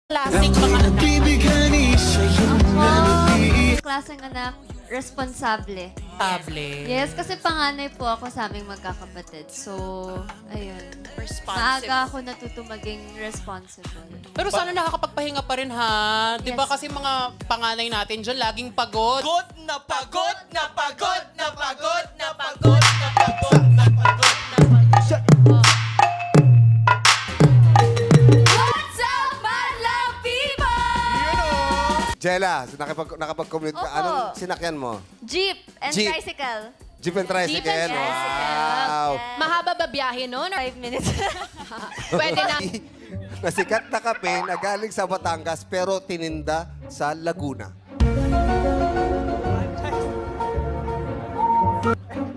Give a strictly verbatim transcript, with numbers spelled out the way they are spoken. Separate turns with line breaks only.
Klaseng mga anak.
Ako, klaseng anak, responsable.
Table.
Yes, kasi panganay po ako sa aming magkakapatid. So, ayun.
Responsive.
Maaga ako natuto maging responsible.
Pero sana nakakapagpahinga pa rin ha. Di ba
Yes.
kasi mga panganay natin dyan laging pagod.
Pagod na pagod na pagod na pagod na pagod na pagod na pagod na pagod.
What's up, my love people?
Jella, nakapag, nakapag-commute ka.
Opo.
Anong sinakyan mo?
Jeep and
Jeep.
tricycle.
Jeep and tricycle?
Jeep and tricycle.
Wow.
Mahaba ba biyahe noon?
Five minutes.
Pwede na.
Nasikat na kape na galing sa Batangas pero tininda sa Laguna.